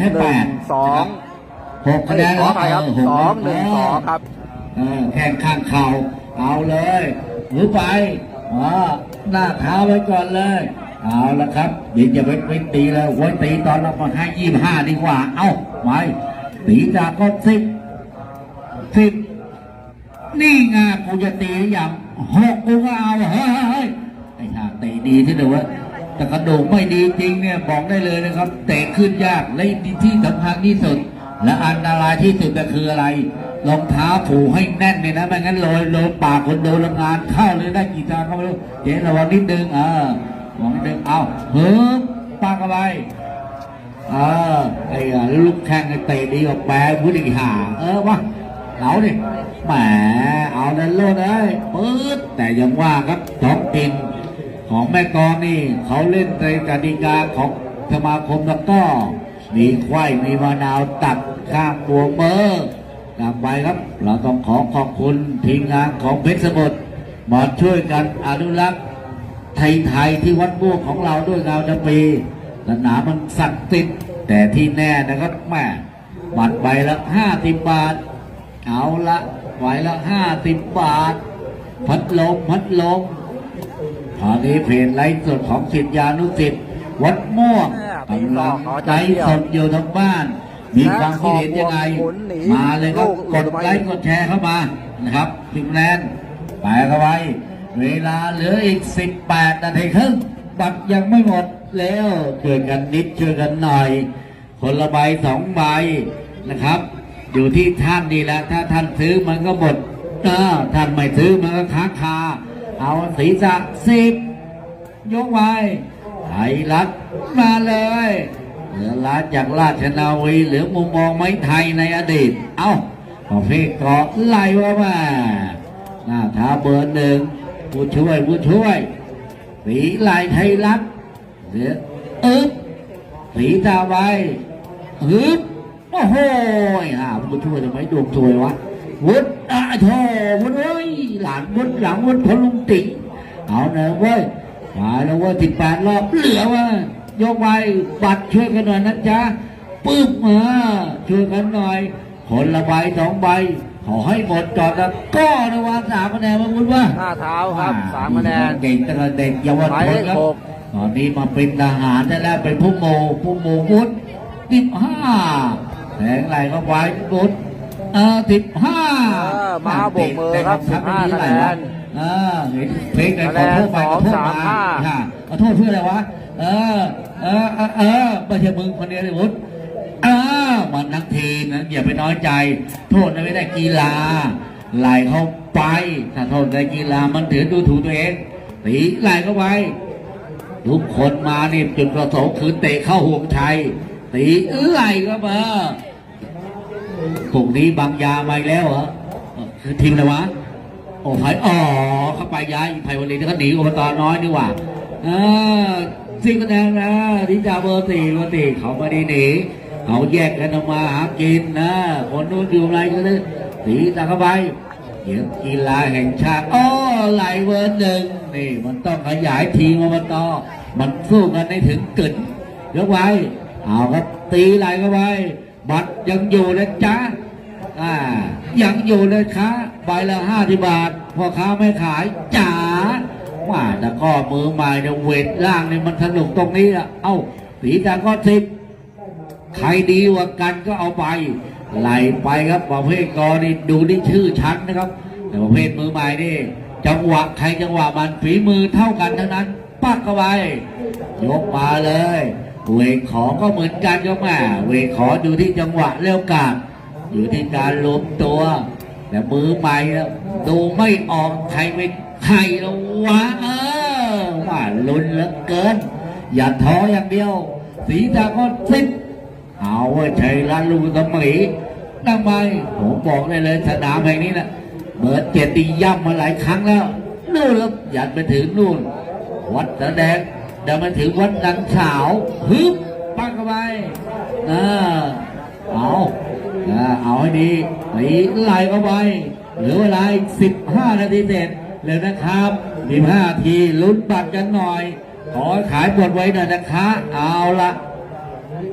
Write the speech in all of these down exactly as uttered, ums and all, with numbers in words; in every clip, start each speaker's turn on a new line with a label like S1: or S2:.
S1: ค่แปด
S2: สอง
S1: หกคะแนน
S2: ขอไปครับสองหนึ่งสองครับ
S1: แข่งข้างเข่าเอาเลยหรือไปอ๋อหน้าเท้าไว้ก่อนเลยเอาละครับเดี๋ยวจะไปไปตีแล้วไว้ตีตอนเรามาให้ยี่ห้าดีกว่าเอ้าไม่ตีจากก็สิบสิบนี่ไงกูจะตีอย่างหกกูก็เอาเฮ้ยไอ้ห่าเตะดีที่เดียวแต่กระโดดไม่ดีจริงเนี่ยบอกได้เลยนะครับเตะขึ้นยากและที่สำคัญที่สุดและอันตรายที่สุดก็คืออะไรรองเท้าผูกให้แน่นเลยนะไม่งั้นลอยลอยปากคนโดนงานเข้าเลยได้กี่ทางก็ไม่รู้เจ๊ระวังนิดนึงเออระวังนิดนึงเอาเฮ้ยปากอะไรเออไอ้ลูกแข้งไอ้เตะดีกว่าแปรพุทธิหาเออวะเอาดิแหมเอาดันโลดเลยปื๊ดแต่ยังว่าครับท้องกินของแม่กองนี่เขาเล่นในกติกาของสมาคมแล้วก็มีควายมีมะนาวตัดข้างตัวเบอร์กลับไปครับเราต้องขอขอบคุณทีมงานของเพชรสมุทรมาช่วยกันอนุรักษ์ไทยๆที่วัดม่วงของเราด้วยเงาจำปีสนามมันศักดิ์สิทธิ์แต่ที่แน่นะครับแม่บัตรใบละห้าสิบบาทเอาละใบละห้าสิบบาทพัดลมพัดลมตอนนี้เพจไลฟ์สดของศิษยานุศิษย์วัดม่วงกำลังไลฟ์สดอยู่ทางบ้านมีความคิดเห็นยังไงมาเลยครับกดไลค์กดแชร์เข้ามานะครับพิมพ์แลนไปเข้าไปเวลาเหลืออีกสิบแปดนาทีครึ่งบัตรยังไม่หมดแล้วช่วยกันนิดช่วยกันหน่อยคนละใบสองใบนะครับอยู่ที่ท่านดีแล้วถ้าท่านซื้อมันก็หมดถ้าท่านไม่ซื้อมันก็ค้างคาเอาศีรษะสิบยกไว้ไทยรัฐมาเลยเหลือล้านจากราชนาวีเหลือมุมมองไม้ไทยในอดีตเอ้าประเภทเกาะไล่ว่ามาหน้าท้าเบอร์หนึ่งผู้ช่วยผู้ช่วยสีลายไทยรัฐเหลืออึ๊บสีตาไว้อึ๊บโอ้โหอ่าผู้ช่วยทำไมดวงสวยวะวุฒิอ่ะโธ่วุฒิเอ้ยหลานวุฒิหลังวุฒิพลุงติเอาเนอะเว้ยมาแล้วว่าสิบแปดรอบเหลือว่ายกไว้บัตรช่วยกันหน่อยนะจ๊ะปึ๊บมาช่วยกันหน่อยคนละใบสองใบขอให้หมดจอดแล้วก็นะว่าสามคะแนนมาวุฒิว่า
S2: หน้าเท้าครับสามคะแนน
S1: เก่งตั้งแต่เด็กเยาวชนครับตอนนี้มาเป็นทหารได้แล้วเป็นผู้โมผู้โมวุฒิสิบห้าแทงไหลเข้าไปวุฒิเออสิบห้า
S2: มาโบกมือครับสิบห้าคะแนน
S1: เออเห็นเพลงไหนขอโทษไปขอโทษมาขอโทษเพื่ออะไรวะเออเออเออไม่ใช่มึงคนเดียวเลยวุฒิเออมันทั้งทีนะอย่าไปน้อยใจโทษนะไม่ได้กีฬาไหลเข้าไปถ้าโทษในกีฬามันถือดูถูกตัวเองตีไหลเข้าไปทุกคนมานี่จุดประสงค์คือเตะเข้าห่วงชัยตีไหลเข้ามาพวกนี้บางยามาแล้วเหรอคือทีมอะไรวะโอ้ไผ่อ๋อเข้าไปย้ายไผ่วันนี้ก็หนีอบตน้อยนี่หว่าเออสิ่งคะแนนนะดิจาเบอร์สี่เบอร์สี่เขาไม่ได้หนีเขาแยกกันออกมาหากินนะคนนู้นอยู่อะไรก็เลยสีตาเข้าไปเดี๋ยวกีฬาแห่งชาติอ๋อไหลเบอร์หนึ่งนี่มันต้องขยายทีมอบตมันสู้กันให้ถึงกึ่นยกไว้เอาครับตีไหลเข้าไปบัตรยังอยู่นะจ๊ะอ่ายังอยู่เลยค้าใบละห้าสิบบาทพ่อค้าไม่ขายจ๋าว่าแต่ก็มือใหม่เนี่ยเวทล่างเนี่ยมันสนุกตรงนี้อ่ะเอ้าสีจางก็สิบใครดีกว่ากันก็เอาไปไล่ไปครับประเภทกอนี่ดูที่ชื่อชั้นนะครับแต่ประเภทมือใหม่นี่จังหวะใครจังหวะมันฝีมือเท่ากันทั้งนั้นปักเข้าไปยกมาเลยเวทขอก็เหมือนกันก็แม่เวทขออยู่ที่จังหวะเร็วกาดอยู่ที่การล้มตัวแต่มือใหม่ดูไม่ออกใครเป็นใครแล้ววะเออว่าลุ้นเหลือเกินอย่าท้ออย่างเดียวสีตาก็สิบเอาไว้ใช้ร้านลูกสมัยนั่งไปผมบอกได้เลยสนามแห่งนี้นะเบิร์ดเจตีย่ำมาหลายครั้งแล้วนู่นแล้วยันไปถึงนู่นวัดแสดงเดินมาถึงวัดดังขาวฮึบปักเข้าไปเออเอาเอาให้ดีตีไหลเข้าไปเหลือเวลาสิบห้านาทีเสร็จเลยนะครับมีห้าทีลุ้นบัตรกันหน่อยขอขายบทไว้หน่อยนะคะเอาละ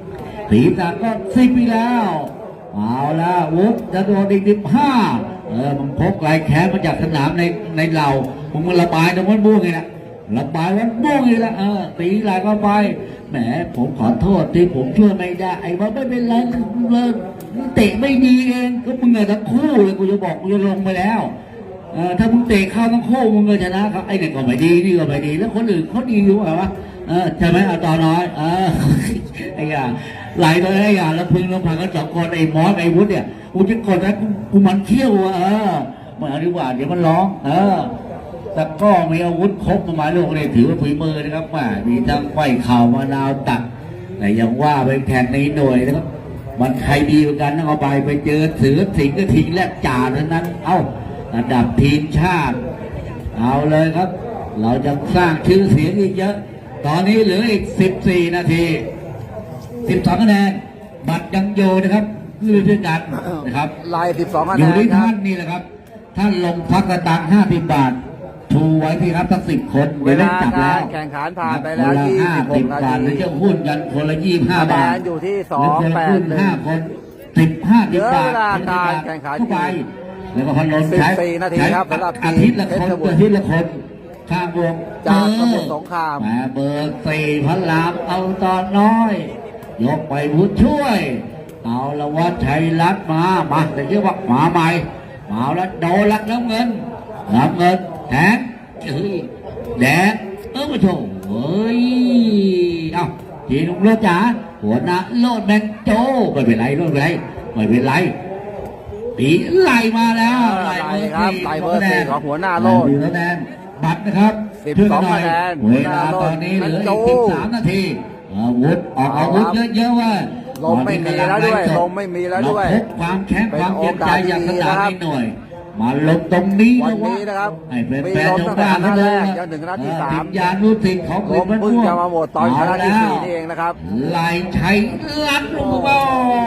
S1: ศีรษะก็สิบไปแล้วเอาละวุฒิจะโดนอีกสิบห้าเออมันพกลายแขนมาจากสนามในในเหล่าผมมันระบายตรงวันบ้วงไงนะระบายวันบ้วงไงละเออตีลายก็ไปแหมผมขอโทษที่ผมช่วยไม่ได้ไอ้ว่าไม่เป็นไรเลยเตะไม่ดีเองก็มึงอะทั้งคู่เลยกูจะบอกกูจะลงไปแล้วเออถ้ามึงเตะเข้าทั้งคู่มึงก็ชนะครับไอ้เนี่ยก็ไม่ดีนี่ก็ไม่ดีแล้วคนอื่นเขาดีอยู่เหรอวะเออใช่ไหมเอาต่อน้อยเออไอ้ยาไหลเลยไอ้ยาแล้วพึงลงผ่านกันสองคนไอ้มอสไอ้วุฒิเนี่ยกูจะกดนะกูกูมันเขี้ยวอ่ะเออมาเอาดีกว่าเดี๋ยวมันร้องเออแต่ก็มีอาวุธครบมาหมายลูกเลยถือว่าฝีมือนะครับว่ามีทั้งไขว้เข่ามะนาวตักแต่ยังว่าไปแข่งในหน่วยนะครับมันใครดีเหมือนกันต้องเอาไปไปเจอเสือสิงก็ทิ้งแลกจ่าเท่านั้นเอ้าระดับทีมชาติเอาเลยครับเราจะสร้างชื่อเสียงอีกเยอะตอนนี้เหลืออีกสิบสี่นาทีสิบสองคะแนนบัตรยังอยู่นะครับคือด้วยกันนะครับ
S2: ลายสิบสองคะ
S1: อ
S2: แน
S1: ยู่
S2: น
S1: ที่
S2: ครั
S1: ท่า
S2: บ
S1: นนี่แหละครับท่านลงพักกระตังห้าสิบบาทชูไว้ที่รับทั้งสิบคน
S2: เว
S1: เดี๋ยวได้
S2: ลา
S1: จับ
S2: กา
S1: แล้
S2: ร
S1: ว
S2: แข่งขันผ่านไปแล้ว
S1: คนละ
S2: ยี่
S1: ห้า
S2: สิบห
S1: สิ
S2: ก
S1: บ
S2: นา
S1: บาท
S2: ที
S1: หรือจะหุ้นกันคนละยี่สิบห้า
S2: คะแน
S1: บาท
S2: นอยู่ที่ส
S1: ห
S2: อ
S1: รื
S2: ง
S1: คน
S2: แป
S1: ละ
S2: ด
S1: หุ้น
S2: หนึ่ง
S1: ห้าคนสิบห้าสิบบาท
S2: เหลือเวลาการแข่งขัน
S1: เข้าไปแล้วก็พันลมใช้
S2: สิบสี่นาทีครับสำหรับทีม
S1: อาทิตย์ละคน
S2: เพชรบุรี
S1: อาทิตย์ละคนข้างวง
S2: จากสมุทรสงคราม
S1: แหเบอร์สี่พันลามเอาตอนน้อย ยกไปผู้ช่วย เอาละวัดชัยรัตน์มามาแต่เชื่อว่ามาใหม่มาแล้วโดนลักน้ำเงินน้ำเงินแทงเอ้ยแดงเออมาโชว์เฮ้ยเอ้าจีนุ่งโลดจ๋าหัวหน้าโลดแมงโจไม่เป็นไรโลดไม่เป็นไรไม่เป็นไรตีไล่มาแล้ว
S2: ไล่ครับไล่เบอร์สี่ของหัวหน้าโลด
S1: คะแนนบัตรนะครับ
S2: สิบ
S1: ช่วย
S2: ส
S1: กั
S2: อน ง
S1: หน่อย
S2: คะแนน
S1: เวลาตอนนี้เหลืออีกสิบสามนาทีอาวุธออกอาวุธเยอะๆว่า
S2: ลมไม่มีแล้วด้วยลมไม่มีแล้วด้วย
S1: เราพกความแข็ง
S2: เป็น
S1: ความเจ็บใจอย่างสนาม
S2: โอกาสดีนะครับ
S1: นี้หน่อย มาลงตรงนี้
S2: วันนี้นะครับ
S1: ให้เป็น
S2: มี
S1: แฟน
S2: ลม
S1: ๆ
S2: ตั้
S1: ชาง
S2: แต่
S1: บ้าน
S2: นัดแรก
S1: เข
S2: จนถึงนัดที่
S1: เออ
S2: สาม
S1: ทียานุสิทธิ์ของ
S2: ลมเพิ่งจะมาหมดตอนนัดที่สี่นี่เองนะครับ
S1: ลายชัยลัดลงมา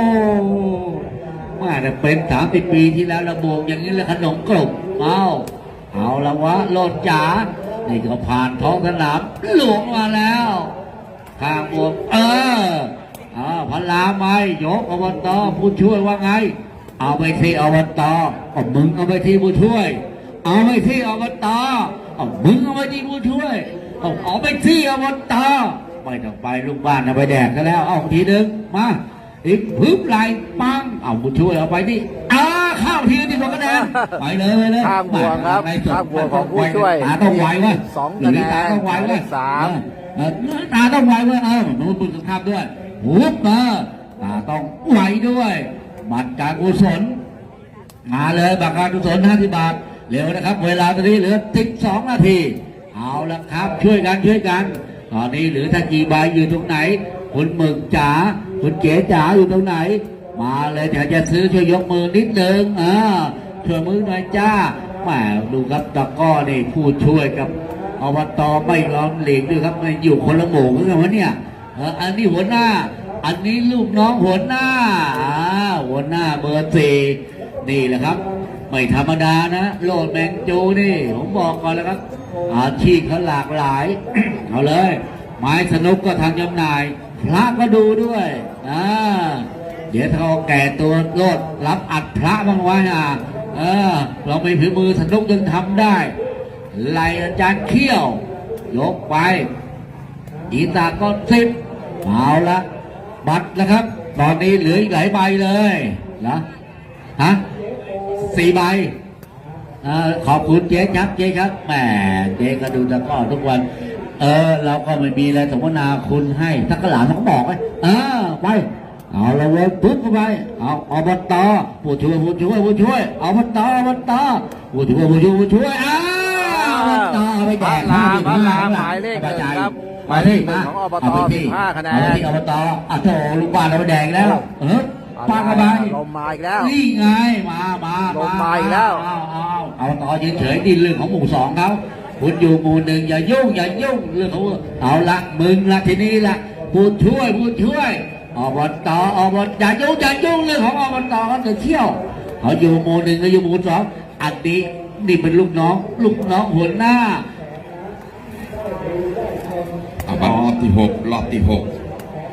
S1: ว่าแต่เป็นสามสิบปีที่แล้วระบวงอย่างนี้เลยขนมกรุบเอาเอาละวะโลดจ๋านี่ก็ผ่านท้องสนามหลวงมาแล้วข้างบวกเอออ่าพลาไม่ยกอบตผู้ช่วยว่าไง เอาไปที่อบตเอามึงเอาไปที่ผู้ช่วย เอาไปที่อบตเอามึงเอาไปที่ผู้ช่วยเอาเอาไปที่อบตไม่ต้องไปลูกบ้านเอาไปแดกกันแล้วเอาทีหนึ่งมาอีกพึบไหลปังเอาผู้ช่วยเอาไปที่อ้าข้าวทีที่สองคะแนนไปเลยไปเลย
S2: ข้ามบวกครับ
S1: ในสุด
S2: ข้ามบวกของผู้ช่วย
S1: ตาต้องไวเว้ย
S2: สองคะแนน
S1: ตาต้องไวเว้ย
S2: สาม
S1: เออตาต้องไวเว้ยเออหนูบุญสุภาพด้วยหุบมาตาต้องไวด้วยบัตรการกุศลมาเลยบัตรการกุศลห้าสิบบาทเร็วนะครับ เวลาตอนนี้เหลือสิบสองนาทีเอาละครับช่วยกันช่วยกันตอนนี้เหลือถ้ากี่ใบอยู่ตรงไหนคุณหมึกจ๋าคุณเก๋จ๋าอยู่ตรงไหน มาเลยเดี๋ยวจะซื้อช่วยยกมือนิดนึงอ่าช่วยมือหน่อยจ้าแหมดูครับตะก้อนี่ผู้ช่วยกับอบตไม่ร้อนเหล็กด้วยครับไม่อยู่คนละหมู่กันวะเนี่ยเอออันนี้หัวหน้า อันนี้ลูกน้องหัวหน้าอ่าหัวหน้าเบอร์สี่นี่แหละครับ ไม่ธรรมดานะโลดแมงจูนี่ผมบอกก่อนแล้วครับอาชีพเขาหลากหลาย เอาเลย ไม้สนุกก็ทางจำหน่าย พระก็ดูด้วยอ่าเดี๋ยวถ้าเขาแก่ตัวโลดรับอัดพระบ้างไว้อ่ะเออเราไม่ผือมือสนุกยังทำได้ไล่อาจารย์เขี้ยวยกไปอีตาก็สิบเอาละบัตรนะครับ ตอนนี้เหลืออีกหลายใบเลยนะฮะสี่ใบเออขอบคุณเจ๊ครับเจ๊ครับแหมเจ๊ก็ดูตะกร้อทุกวัน เออเราก็ไม่มีอะไรสมนาคุณให้ถ้ากระหลานเขาก็บอกไว้เออไปเอาละเว้ยปุ๊บเข้าไปเอาอบตผู้ช่วยผู้ช่วยผู้ช่วยอบตอบตผู้ช่วยผู้ช่วยผู้ช่วยอ้าวอบตเอาไปแจก
S2: พระราม
S1: ห้าสิบ
S2: พระราม
S1: ห้
S2: หมายเลขหนึ่งครับ
S1: หมายเลข
S2: หนึ่งของอบต
S1: เาไปที่
S2: สิบห้าคะแนน
S1: เอาไปที่อบตอ่ะโถลูกบ้านเราไปแดงแล้วเออปากกระบาย
S2: ลมมาอีกแล้ว
S1: นี่ไงมามา
S2: ลงมาอีกแล้ว
S1: เอาเอาเอาต่อยืนเฉยดินเรื่องของหมู่สองเขาคุณอยู่หมู่หนึ่งอย่ายุ่งอย่ายุ่งเรื่องของเอาละมึงละทีนี้ละผู้ช่วยผู้ช่วยอบตอบตอย่ายุ่งอย่ายุ่งเรื่องของอบตเขาจะเที่ยวเขาอยู่หมู่หนึ่งเขาอยู่หมู่สองอันนี้นี่เป็นลูกน้อง ลูกน้องหัวหน้า
S3: เอาบัตรรอบที่หกรอบที่หก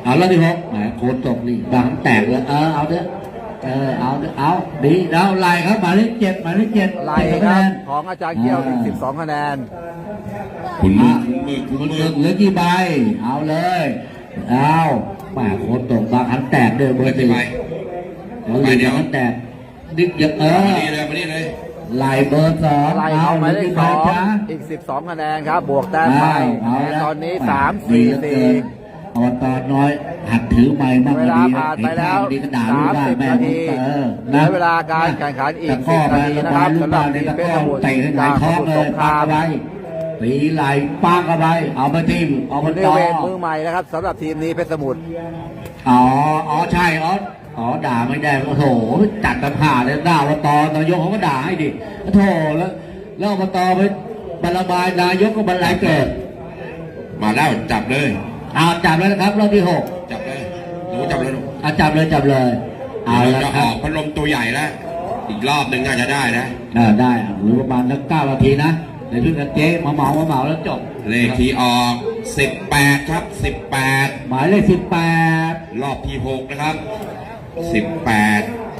S1: เอาแล้วที่หกแหมโคนตกนี่บางแตกเลยเออเอาเถอะเออเอาเถอะเอาดีแล้วไล่ครับหมายเลขเจ็ดหมายเลขเจ็ด
S2: ไล่ครับของอาจารย์เกี้ยวอีกสิบสองคะแนน
S3: คุณมื
S1: อ่ะ
S3: อคุณมือคุณ
S1: คุณ
S3: มื
S1: เลื
S3: อ
S1: อกเหลือกี่ใบเอาเลยเอาแหมโคนตกบางขันแตกเดินเบอ
S3: เปิด
S1: ร์ห
S3: ไป
S1: นึ่ง
S3: ไป
S1: แล้วเหลือบางขันแตกดิกเออ
S3: มานี่เลยมานี่เลย
S1: ไล่เบอร์สอง
S2: ไล่เขาหมายเลขสอง
S1: จ้า
S2: อีกสิบสองคะแนนครับ บวกแต้มไป
S1: เอา
S2: คะแนน
S1: ละ
S2: ตอนนี้สามสี่สี่
S1: อบตน้อยหัดถือไม้มาก
S2: เวลาผ่านไปแล้ว
S1: ดีกระดาษลูกบ้าน
S2: สามสิบ
S1: แม่
S2: นาที
S1: เออ
S2: เหลือเวลาการแข่งขันอีก
S1: ตะข้อ
S2: สิบนาทีนะครับ
S1: ลูกบ้าน
S2: สำหรับ
S1: ในตะ
S2: ทีมเพชร
S1: ข้อ
S2: สมุทร
S1: เตะให้หงายท้องเลย
S2: สงคราม
S1: ปากอะไรตีไหลปากอะไรเอามาทีมเอา
S2: ค
S1: มาน
S2: ได้
S1: ต่อ
S2: เวทมือใหม่นะครับสำหรับทีมนี้เพชรสมุทร
S1: อ๋ออ๋อใช่อ๋ออ๋อด่าไม่ได้โอ้โหจัดตะผ่าเลยด่าอบตนายกเขาก็ด่าให้ดิโอ้โถแล้วแล้วอบตไปบรรบายนายกก็บรรลัยเกิด
S3: มาแล้วจับเลย
S1: เอาจับแล้วนะครับรอบที่หก
S3: จับเลยหนูจับเลยหนู
S1: เอาจับเลยจับเลยเอา
S3: เดี๋ยว
S1: ละ
S3: จะ
S1: ค
S3: อ
S1: รั
S3: อบ กพัดลมตัวใหญ่แล้วอีกรอบหนึ่งน่าจะได้นะ
S1: เออได้อ่ะหรือประมาณสักเก้านาทีนะเดี๋ยวเพิ่งกันเจ๊มาเหมามาเหมาแล้วจบ
S3: เลขที่ออกสิบแปดครับสิบแปด
S1: หมายเลขสิบแปด
S3: รอบที่หกนะครับสิบแปด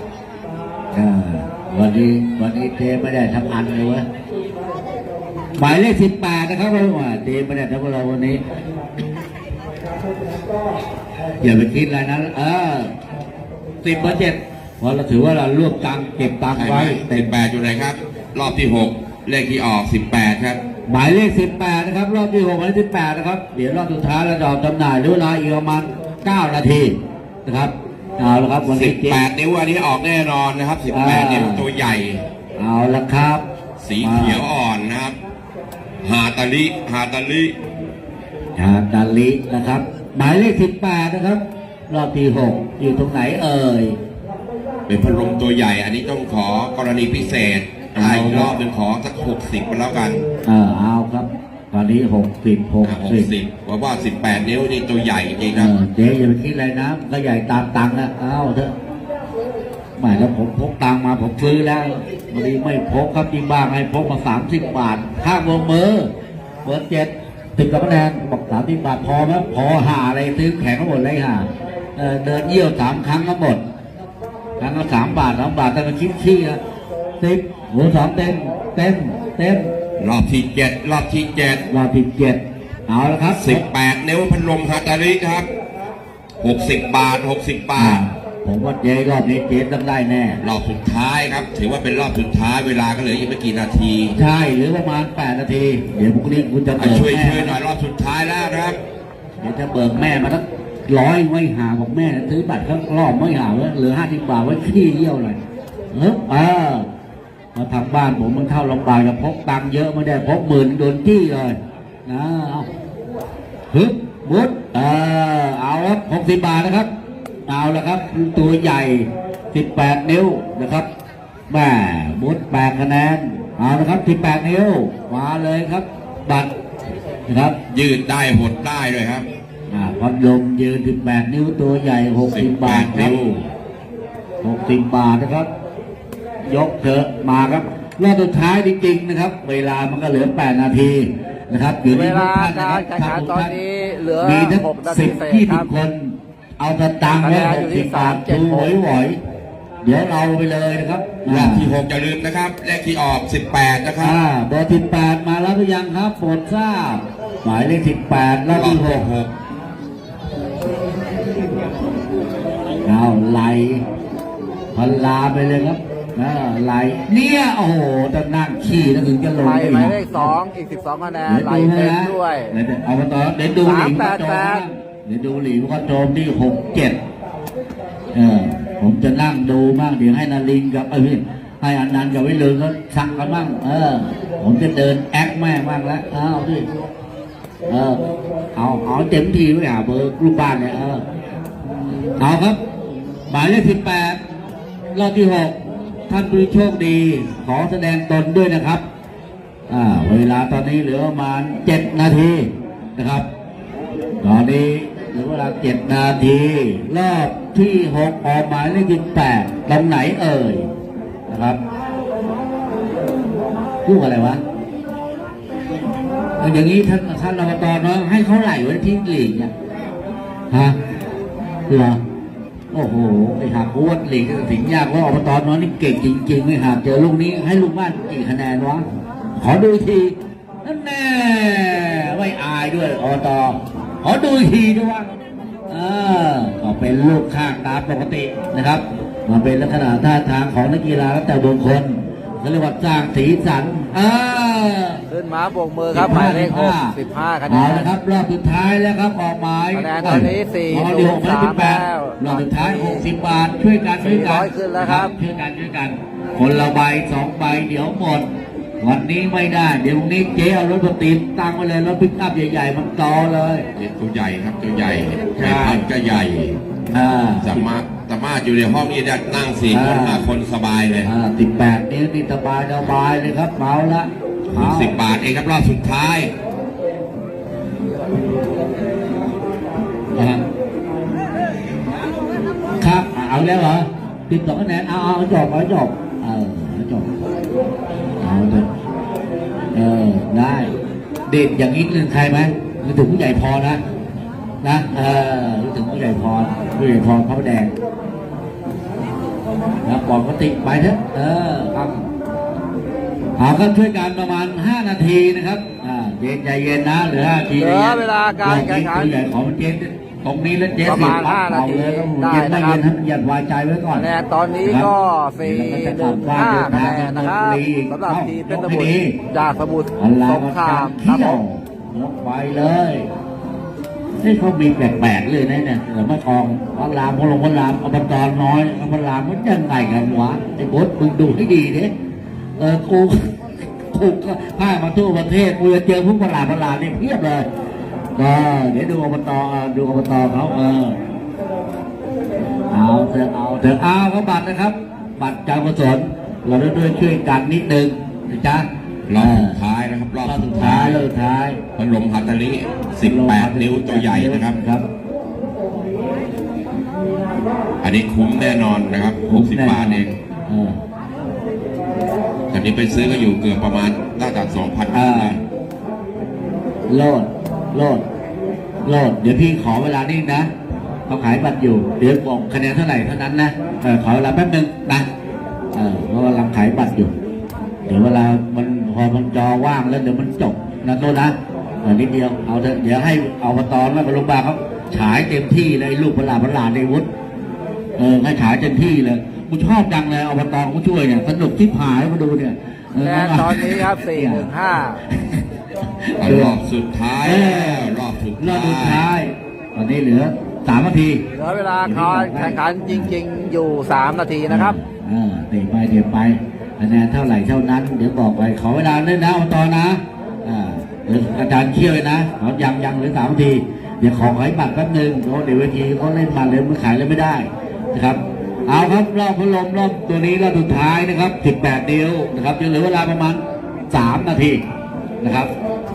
S1: วันนี้วันนี้เจ๊ไม่ได้ทำอันเลยเวะหมายเลขสิบแปดนะครับว่าเจ๊ไม่ได้ทำอะไรวันนี้อย่าไปคิดอะไรนะเออสิบเปอร์เจ็ดเพราะเราถือว่าเรารวบตังค์เก็บตังค์
S3: ใช่ไหม
S1: ไว้
S3: สิบแปดอยู่ไหนครับ รอบที่หกเลขที่ออกสิบแปดครับ
S1: หมายเลขสิบแปดนะครับรอบที่หกหมายเลขสิบแปดนะครับเดี๋ยวรอบสุดท้ายเราจะออกจำหน่ายหรือเวลาอีกประมาณเก้านาทีนะครับเอาละครับวัน
S3: สิ
S1: นี้
S3: บ
S1: เจ๊
S3: แปดนิ้วอันนี้ออกแน่นอนนะครับสิบแปด
S1: อ่า
S3: นิ้วตัวใหญ่
S1: เอาละครับ
S3: สีเขียวอ่อนนะครับ ฮาตาลิฮาตาลิ
S1: ฮาตาลินะครับ หมายเลขสิบแปดนะครับ รอบที่หกอยู่ตรงไหนเอ่ย
S3: เป็นพัดลมตัวใหญ่ อันนี้ต้องขอกรณีพิเศษ
S1: เอา
S3: อีกรอบหนึ่งขอสักหกสิบไปแล้วกัน
S1: เออเอาครับ ตอนนี้หกสิบหก
S3: หก
S1: สิบ
S3: สิบเพราะว่าสิบแปดนิ้วนี่ตัวใหญ่จริงๆ
S1: เอ
S3: นะ
S1: อเจ๊อย่าไปคิดอะไรนะมันก็ใหญ่ตามตังค์นะเอาเถอะหมายแล้วผมพกตังค์มาผมซื้อแล้ววันนี้ไม่พกครับจริงบ้างให้พกมาสามสิบบาทข้างวงมือเบอร์เจ็ดติดกับคะแนนบอกสามสิบบาทพอไหมพอหาอะไรซื้อแข็งก็หมดเลยหาเออเดินเยี่ยวสามครั้งก็หมด ครั้งละสามบาทสามบาทแต่มันคิดขี้นะสิบหัวสองเต็มเต็มเต็ม
S3: รอบที่เจ็ดรอบที่เจ็ด
S1: รอบที่เจ็ดเอาละครับ
S3: สิบแปดนิ้วพัดลมฮาตาลิครับหกสิบบาทหกสิบบา
S1: อ่า
S3: ท
S1: ผมว่าเจ๊รอบนี้เจ๊ต้องได้แน่
S3: รอบสุดท้ายครับ ถือว่าเป็นรอบสุดท้ายเวลาก็เหลืออีกไม่กี่นาที
S1: ใช่หรือประมาณแปดนาที เดี๋ยวพรุ่งนี้คุณจะ
S3: อ่ะ
S1: เบิก
S3: ช่วย
S1: แม่
S3: ช่วยหน่อยรอบสุดท้ายแล้วนะครับ
S1: เดี๋ยวจะเบิกแม่มาทั้งร้อยไม่หาบอกแม่ซื้อบัตรข้างรอบไม่หาว่าเหลือห้าสิบบาทไว้ขี้เยี่ยวเลยเออเออมาทางบ้านผมมันเข้าลำบากจะพกตังค์เยอะไม่ได้พกหมื่นโดนจี้เลยนะเอาฮึบมุดเออเอาครับหกสิบบาทนะครับเอาละครับตัวใหญ่สิบแปดนิ้วนะครับแม่มุดแปดคะแนนเอาละครับสิบแปดนิ้วมาเลยครับ บัตรนะครับ
S3: ยืดได้หดได้เลยครับ
S1: อ่าพัดลมยืนสิบแปดนิ้วตัวใหญ่หกสิบบาทครับ
S3: นิ้ว
S1: หกสิบบาทนะครับ ยกเถอะมาครับรอบสุดท้ายจริงๆนะครับ เวลามันก็เหลือแปดนาทีนะครับอยู่
S2: เว
S1: ที่ทุ
S2: ลาก
S1: ท่านนะ
S2: การ
S1: ครับ
S2: แข่งขันตอนนี้เหลือ
S1: มีทั้ง
S2: หกนา
S1: สิ
S2: ที
S1: บ
S2: เศษ
S1: ยี่
S2: ค
S1: สิ
S2: รั
S1: บบ คน เอาสตางค์ไว้
S2: คะแนน
S1: ห
S2: อยู่
S1: ก
S2: ที่
S1: สิบบาท
S2: สามเจ็ด
S1: ดูหวยหวยเดี๋ยวเราไปเลยนะครับ
S3: รอบที่หกอย่าลืมนะครับ เลขที่ออกสิบแปดนะครับ
S1: อ่าเบอร์สิบแปดมาแล้วหรือยังครับโปรดทราบหมายเลขสิบแปดรอบที่หก
S3: หก
S1: เอาไหลพันลาไปเลยครับนะไหลเนี่ยโอ้โหจะนั่งขี่แล้วถึงจะลง
S2: ไล่
S1: ได้
S2: หมาย
S1: นะ
S2: เลขสองอีกสิบสองคะแนน
S1: เดี๋ยว
S2: ไล่
S1: ดู
S2: เต็ม
S1: นะ
S2: ด้วย
S1: เดี๋ยวเอามาต่อเดี๋ยวดูหลิงก็โจม
S2: สามแปดแปด
S1: นะเดี๋ยวดูหลิงก็โจมที่หกเจ็ดเออผมจะนั่งดูมั่งเดี๋ยวให้นารินกับเอ้ยให้อนันต์กับวิเลนเขาชักกันมั่งเออ ผมจะเดินแอคแม่งมั่งแล้วเอาดิเออเอาเอาเต็มทีไว้หาเบอร์ลูกบ้านเนี่ยเออเอาครับ หมายเลขสิบแปดรอบที่หกท่านผู้โชคดี ขอแสดงตนด้วยนะครับอ่าเวลาตอนนี้เหลือประมาณเจ็ดนาทีนะครับ ตอนนี้เหลือเวลาเจ็ดนาทีรอบที่หกออกหมายเลขสิบแปดตรงไหนเอ่ยนะครับลูกอะไรวะเอาอย่างนี้ท่านท่านอบตเนาะให้เขาไหลไว้ที่หลีกเนี่ยฮะเหรอโอ้โหไอ้หากวัดหลีกสิงห์ยากว่าอบตน้อยนี่เก่งจริงๆไม่หากเจอลูกนี้ให้ลูกบ้านกี่คะแนนวะขอดูอีกทีนั่นแน่ไม่อายด้วยอบตขอดูอีกทีด้วยว่าเออก็เป็นลูกข้างตามปกตินะครับมาเป็นลักษณะท่าทางของนักกีฬาแล้วแต่บุคคลเขาเรียกว่าสร้างสีสันเออ
S2: ขึ้นมาโบกมือครับหมายเลขหกสิบห้าคะแน
S1: เอา
S2: น
S1: ละครับรอบสุดท้ายแล้วครับออกหมาย
S2: คะแนนตอนนี้สี่
S1: เอาเดี๋ยว
S2: สาม
S1: สิบแปด
S2: แล้ว
S1: รอบสุดท้ายหกสิบบาทช่วยกันช่วยกั
S2: สี่ร้อยขึ้นแล้วครับ
S1: ช่วยกันช่วยกัน คนละใบสองใบเดี๋ยวหมด วันนี้ไม่ได้เดี๋ยวพรุ่งนี้เจ๊เอารถมาติดตั้งไว้เลยรถปิกอัพใหญ่ๆมันต่อเลย
S3: ตัวใหญ่ครับตัวใหญ่
S1: ใช่
S3: ใหญ่พันก็ใหญ่
S1: อ่า
S3: สามารถสามารถอยู่ในห้องนี้ได้นั่งสี่คน
S1: อ่า
S3: ห้าคนสบายเลย
S1: อ่าสิบแปดนิ้วนี่สบายสบายเลยครับเมาละ
S3: หกสิบบาทเองครับรอบสุดท้าย
S1: อ่าครับเอาแล้วเหรอติดสองคะแนนเอาเอาจบเอาจบเออเอาจบเอาเถอะเออได้เด็ดอย่างนี้นึงใครไหมนึกถึงผู้ใหญ่พอนะนะเออนึกถึงผู้ใหญ่พรผู้ใหญ่พรพระประแดงนะปกติไปเถอะเออครับเอาก็ช่วยกันประมาณห้านาทีนะครับอ่าเย็นใจเย็นนะเหลือห้านาที
S2: เหลือเวลาการแข่งขัน
S1: ผู้ใหญ่ของเจ๊ตรงนี้แล้วเจ๊
S2: ประมาณ
S1: สิบ
S2: ห้านาที
S1: เอเลย
S2: ได้
S1: เย็นไม่
S2: นะครับ
S1: เย็นท่านอย่าวายใจไว้ก่อน
S2: คะแนนตอนนี้ก็สี่หนึ่งห้าคะแนนนะครับสำหรับทีมเป็นสมุทรจากสมุทร
S1: อันลา
S2: ส
S1: ว
S2: งครามค
S1: เที่
S2: รับ
S1: ย
S2: ผ
S1: ว
S2: ม
S1: ยกไปเลยนี่เขามีแปลกๆเลยนะเนี่ยเหลือมาทองพันลามพลงพันลามเอาปตอนน้อยเอาพันลามมันยังไงกันวะไอ้บดมึงดูให้ดีดิเออกูกูก็พามาทั่วประเทศกูจะเจอพวกพันลามพันลามนี่เพียบเลยก็เดี๋ยวดูอบตดูอบตเขาเออเอาเถอะเอาเถอะเอาเขาบัตรนะครับ บัตรการกุศลเราได้ด้วยช่วยกันนิดนึงนะจ๊ะ
S3: รอบสุดท้ายนะครับ รอบ
S1: รอบ
S3: สุ
S1: สุ
S3: ด
S1: ด
S3: ท้า
S1: ท้าย
S3: ย
S1: รอบสุดท้าย
S3: พัดลมฮัตตาริสิบแปดนิ้วตัวใหญ่นะครับ
S1: ครับ
S3: อันนี้คุ้มแน่นอนนะครับหกสิบบาทเอง
S1: เออ
S3: ตอนนี้ไปซื้อก็อยู่เกือบประมาณน่าจะสองพัน
S1: อ่า
S3: ได้
S1: โลดโลดโลดเดี๋ยวพี่ขอเวลานิ่งนะเขาขายบัตรอยู่เดี๋ยวบอกคะแนนเท่าไหร่เท่านั้นนะเออขอเวลาแป๊บนึงนะเออเพราะกำลังขายบัตรอยู่ เดี๋ยวเวลามันพอมันจอว่างแล้วเดี๋ยวมันจบนะโทษนะเออนิดเดียวเอาเถอะเดี๋ยวให้เอาปตอนมาโรงพยาบาลเขาฉายเต็มที่เลยลูกพลาพลาในวุฒิเออให้ฉายเต็มที่เลยกูชอบจังเลยเอาปตอนกูช่วยเนี่ยสนุกที่ผายมาดูเนี่ยเ
S2: คะแนนตอนนี้ครับสี่หนึ่งห้า
S3: รอบสุดท้าย
S1: เออ
S3: รอบสุด
S1: รอบสุด
S3: ท้า
S1: ท้าย ย ตอนนี้เหลือสามนาที
S2: เหลือเวลาการแข่งขันจริงๆอยู่สามนาทีนะครับ
S1: เออเดี๋ยวไปเดี๋ยวไปคะแนนเท่าไหร่เท่านั้น เดี๋ยวบอกไปขอเวลาด้วยนะตอนนะอ่าเดี๋ยวอาจารย์เชี่ยวเลยนะเขายังยังเหลือสามนาที เดี๋ยวขอขายบัตรแป๊บนึงเพราะเดี๋ยวเวทีเขาเล่นมาเลยมันขายเลยไม่ได้นะครับ เอาครับรอบพัดลมรอบตัวนี้รอบสุดท้ายนะครับสิบแปดนิ้วนะครับจะเหลือเวลาประมาณสามนาทีนะครับ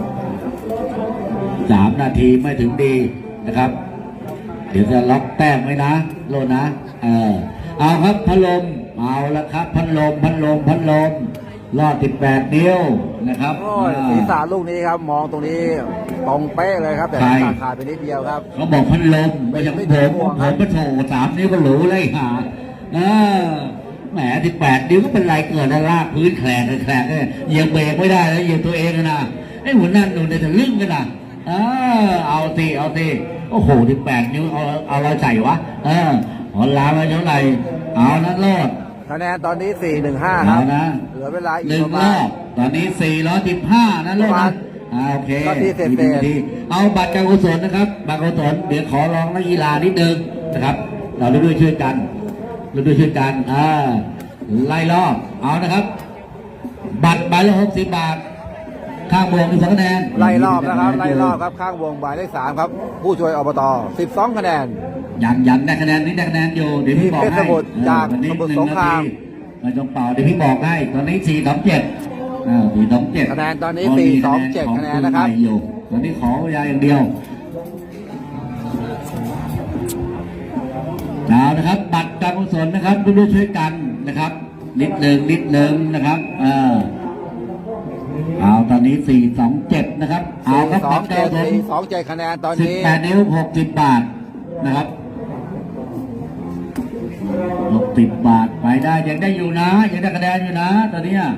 S1: สามนาทีไม่ถึงดีนะครับ เดี๋ยวจะล็อกแต้มไว้นะโลนะ เออเอาครับพัดลมเอาละครับพัดลมพัดลมพัดลมรอดสิบแปดนิ้วนะครับ
S2: โอ้ยศีรษะลูกนี้ครับมองตรงนี้ตรงเป๊ะเลยครับ แต่
S1: ใช่
S2: ขาดขาดไปนิดเดียวครับ
S1: เขาบอกพัดลมไม่ใช่ผมผมก็โถสามนิ้วก็หรูเลยหาเออแหมสิบแปดนิ้วก็เป็นไรเกิดแล้วลากพื้นแขลงแขลงเนี่ยเหยียบเบรกไม่ได้แล้วเหยียบตัวเองนะไอ้หัวนั่นหนูเนี่ยจะลึ่งกันนะเออเอาสิเอาสิโอ้โหสิบแปดนิ้วเอาเอาอะไรใส่วะเออหอนลาไปเท่าไหร่เอานั้นรอด
S2: คะแนนตอนนี้สี่หนึ่งห้าค
S1: เอา
S2: รับ
S1: นะ
S2: เหลือเวลาอี
S1: ห
S2: ก
S1: นึ่ง
S2: ประ
S1: ร
S2: มา
S1: อ
S2: ณ
S1: บตอนนี้สี่ร้อยสิบห้านะลูก
S2: ประมา
S1: นะ
S2: ณ
S1: อ่าโอเค
S2: ก็ที่เศษๆ
S1: ดีดีเอาบัตรการกุศลนะครับบัตรการกุศลเดี๋ยวขอร้องนักกีฬานิดนึงนะครับ เราด้วยช่วยกันเราด้วยช่วยกันอ่าไล่รอบเอานะครับ บัตรใบละหกสิบบาทข้างบวกมีสองคะแนน
S2: ไล่รอบนะครับไล่รอบครับข้างวงหมายเลขสามครับ ผู้ช่วยอบตสิบสองคะแนน
S1: ยันยันได้คะแนนนี้ได้คะแนนอยู่เดี๋ยวพี่บอก
S2: ที่เพชร
S1: ให้
S2: สมุทร
S1: เออ
S2: จาก
S1: วันนี้
S2: สมุทร
S1: หนึ่
S2: สงคราม
S1: นทีไมันจงเป่าเดี๋ยวพี่บอกให้ตอนนี้สี่สองเจ็ดอ่าสี่สองเจ็ด
S2: คะแนนตอนนี้สี่สองเจ็ดคะแนนนะครับ
S1: อยู่ตอนนี้ขอเวลาอย่างเดียวเอานะครับ บัตรการกุศลนะครับร่วมช่วยกันนะครับ นิดหนึ่งนิดหนึ่งนะครับเออเอาตอนนี้สี่สองเจ็ดนะครับเอา
S2: สี่
S1: ครับ
S2: สอ
S1: บั
S2: ง
S1: ตรกา
S2: เจ็
S1: ร
S2: ด
S1: กุศล
S2: สี่สองเจ็ดคะแนนตอน
S1: สิบ
S2: นี้
S1: แปดนิ้วหกสิบบาทนะครับสิบบาทไปได้ยังได้อยู่นะยังได้คะแนนอยู่นะตอนเนี้ย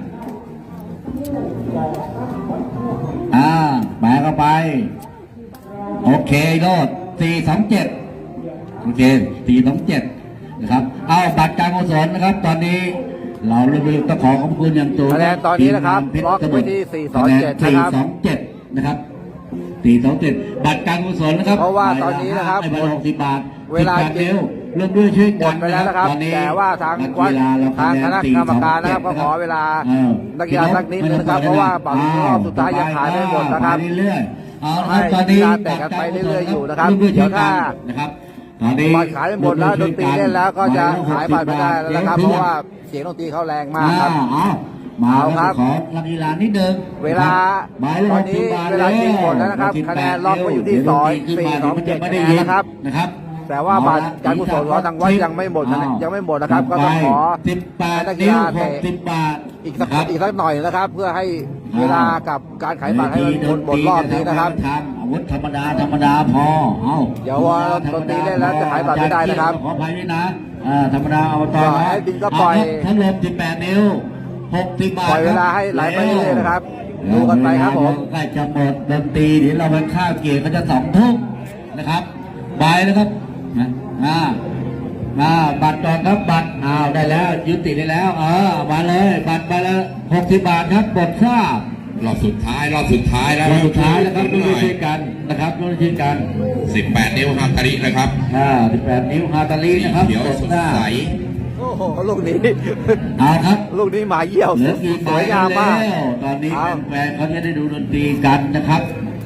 S1: อ่าแปะเข้าไปโอเคโลดสี่สองเจ็ดโอเคสี่สองเจ็ดนะครับเอาบัตรการกุศลนะครับ ตอนนี้เราเรียกต้องขอขอบคุณอย่างสูง
S2: คะแนนตอนนี้นะครับล็อกไว้ที่สี่สองเจ็ดนะครับ
S1: สี่สองเจ็ดนะครับสี่สองเจ็ดบัตรการกุศลนะครับ
S2: เพราะว่าตอนนี้นะครับ
S1: ใบละหกสิบบาท
S2: เวลา
S1: สิบบทเร็วเริ่มด้วยช่วย
S2: หม
S1: กั
S2: ด
S1: น
S2: ไปแล้วนะครับ
S1: ตอนนี้
S2: แต่ว่าทาง
S1: นัก
S2: วัด
S1: กีฬาเรา
S2: ทางคณะกรรมการนะครับก็ขอเวลา
S1: เออ
S2: นักกีฬาสักนิดนึงนะครับเพราะว่าบัตรรอบสุดท้ายยังขายไม่หมดนะครับ
S1: ไปเรื่อยๆเอาละครับ
S2: ให้
S1: ตอนนี้
S2: กีฬาแตกกันไปเรื่อยๆอยู่นะครับ
S1: มด้วย
S2: เดี๋ยวถ้า
S1: นะครับตอนนี้
S2: บัตรขายไม่หมดแล้วดนตรีเล่นแล้วก็จะขายบัตรไม่ได้แล้วนะครับเพราะว่าเสียงดนตรีเขาแรงมากครับ
S1: อ้าวมา
S2: เอา
S1: แล้ว
S2: ครับ
S1: ขอนักกีฬานิดนึง
S2: เวลา
S1: หมายเลข
S2: ตอนนี้
S1: หกสิบบาท
S2: เวลาจริงหมดแล้วนะครับ
S1: หกสิบแปด
S2: คะแนนล็อกไว้อยู่ที่
S1: เดี๋ว
S2: สอง
S1: ดนตรีขึ้นมา
S2: สี่สองเจ็ด
S1: ดี๋ยวมันจะไม่ได้
S2: คะแนน
S1: ยิน
S2: นะครับ
S1: นะครับ
S2: แต่ว่าบัตรการกุศลของทางวัดยังไม่หมดนะ
S1: อ้าว
S2: ยังไม่หมดนะครับก็ต้องขอ
S1: สิบแปด
S2: ให้นักกี
S1: นิ้ว
S2: ฬา
S1: ห
S2: เตะ
S1: กสิบบาท
S2: อีกสัก
S1: ครับ
S2: อีกสักหน่อยนะครับ เพื่อให้เวลากับการขายบัตรให้มันหมดหมดรอบนี้นะครับ
S1: ทำอาวุธธรรมดาธรรมดาพอเอา
S2: เดี๋ยวว่าดนตรีเล่นแล้วจะขายบัตรไม่ได้นะครับ
S1: ขออภัยด้วยนะอ่าธรรมดาเอาตอน
S2: ปล่อยให้บินก็ปล่อย
S1: พัดลมสิบแปดนิ้วหกสิบบาท
S2: ปล่อยเวลาให้ไหลไปเรื่อยๆนะครับดูกันไปครับผม
S1: ใกล้จะหมดดนตรีเดี๋ยวเราไปข้าวเกียร์ก็จะสองทุ่มนะครับบายนะครับนะอ่ามาบัตรก่อนครับบัตรอ้าวได้แล้วยุติได้แล้วเออมาเลยบัตรไปแล้วหกสิบบาทครับกดทราบ
S3: รอบสุดท้ายรอบสุดท้ายแล้ว
S1: รอบสุดท้ายแล้วครับ
S3: ห
S1: ร่วม
S3: น่อย
S1: ช่วยกันนะครับร่วมช่วยกัน
S3: สิบแปดนิ้วฮาตารินะครับ
S1: อ่าสิบแปดนิ้วฮาตาลีนะครับ
S3: เขียว
S1: กด
S3: สด
S1: ทราบ
S3: ใส
S2: โอ้โหลูกนี้
S1: เอาครับ
S2: ลูกนี้หมาเยี่ยว
S1: เหลือกี่
S2: ส
S1: ใบ
S2: วย
S1: แล้
S2: งามมาก
S1: วตอนนี้
S2: เอา
S1: แฟนๆเขาจะได้ดูดนตรีกันนะครับ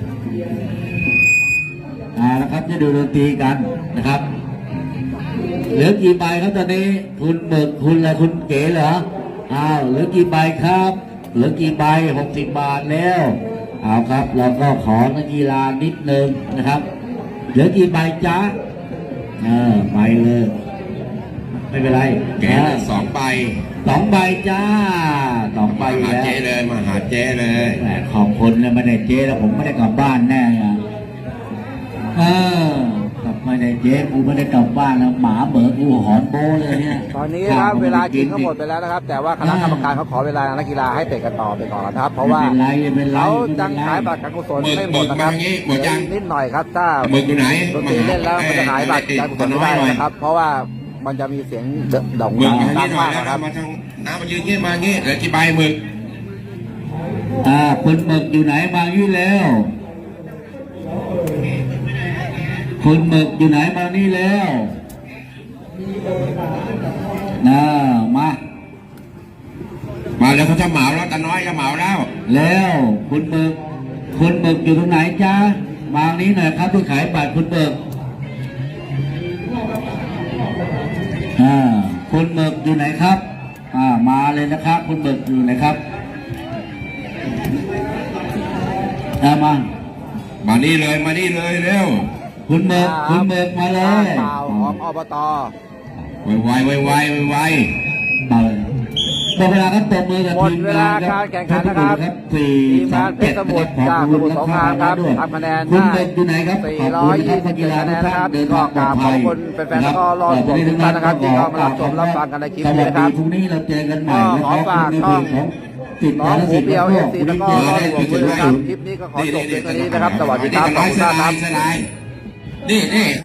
S1: อ่านะครับจะดูดนตรีกันนะครับเหลือกี่ใบครับตอนนี้คุณเบิกคุณอะไรคุณเก๋เหรออ้าวเหลือกี่ใบครับเหลือกี่ใบหกสิบบาทแล้วเอาครับเราก็ขอนักกีฬานิดนึงนะครับเหลือกี่ใบจ๊ะเออไปเลยไม่เป็นไร
S3: แกะเลยสองใบ
S1: สองใบจ้าสองใบ
S3: มาหา
S1: แล้ว
S3: เจ๊เลยมาหาเจ๊เลย
S1: แหมขอบคุณเลยไม่ได้เจ๊แล้วผมไม่ได้กลับบ้านแน่อะเออกลับไม่ได้เจ๊กูไม่ได้กลับบ้านแล้วหมาเบิกกูหอนโบเลยเนี่ย
S2: ตอนนี้นะครับเวลาจริงก็หมดไปแล้วนะครับ แต่ว่าคณะกรรมการเขาขอเวลานักกีฬาให้เตะกันต่อไปก่อนนะครับ เพราะว่า
S1: ไม่เป็นไรไม่เป็นไร
S2: เขา
S1: ไม่เป็นไร
S2: จังขายบัตรการกุศลไม่หมดนะครับเหลืออีกนิดหน่อยครับถ้า
S3: หมึกอยู่ไหน
S2: ดนตรีเล่นแล้วมันจะขายบัตรการกุศลไม่ได้นะครับ เพราะว่ามันจะมีเสียงดอก
S3: หมึก
S2: ดัง
S3: มาทาง
S2: ดั
S3: นี้
S2: ง
S3: หน่อ
S2: มาย กนะครับ
S3: นะมาทางน้ำมายืนเงี้ยมาเงี้ยเหลือกี่ใบหมึก
S1: อ่าคุณหมึกอยู่ไหนมานี่แล้วคุณหมึกอยู่ไหนมานี่แล้วน่ามา
S3: มาแล้วเขาจะเหมาแล้วตาน้อยจะเหมาแล้ว
S1: แล้วคุณหมึกคุณหมึกอยู่ตรงไหนจ้ามาทางนี้หน่อยครับที่ขายบัตรคุณหมึกอ่าคุณหมึกอยู่ไหนครับอ่ามาเลยนะครับ คุณหมึกอยู่ไหนครับอ่ามา
S3: มานี่เลยมานี่เลยเร็ว
S1: คุณหมึกคุณหมึกมาเลย
S2: เปล่าของอบต
S3: ไวไวไวไวไว
S1: เปิดหมดเวลาครับตบมือกับ
S2: หมด
S1: ทีม
S2: เวลาง
S1: านค
S2: กา
S1: รับ
S2: รแข่งขันนะครับ
S1: สี่
S2: ทีม
S1: สอง
S2: งานเพ
S1: เจ็
S2: ช
S1: ด
S2: รสมุทรจากสมุทรสงครามครับทำคะแนน
S1: คุณ
S2: ได้
S1: เด็กอยู่ไหนครับ
S2: สี่
S1: ขอบ
S2: ร้
S1: คุ
S2: อย
S1: ณนะค
S2: ยี่
S1: รับ
S2: สิบ
S1: กีฬา
S2: คะแน
S1: ทุก
S2: น
S1: ท่า
S2: นะครับ
S1: นเดิน
S2: ก็
S1: ทางป
S2: ก
S1: ลอ
S2: รา
S1: ด
S2: บข
S1: ภั
S2: อบ
S1: ย
S2: คุณแฟนๆแล้วก็รอชมทุกท่านนะครับที่เข้ามารับชมรับฟังกันในคลิป
S1: ส
S2: นี้
S1: วัส
S2: นะค
S1: ดี
S2: รับ
S1: พรุ่งนี้เราเจอกันใหม่
S2: ก็
S1: นะ
S2: ขอ
S1: ครับ
S2: ฝาก
S1: ใน
S2: ช่อง
S1: เพจของติด
S2: น้องหมู
S1: สิทธิ์
S2: เปียว
S1: แล้
S2: เอ
S1: ว
S2: ฟ
S1: ก็
S2: ซีแล้วก็รอชมด้วยนะครับคลิปนี้ก็ขอจบเพียงเท่านี้นะครับ สวัสดีครับขอบคุณมากครับ
S3: นี่นี่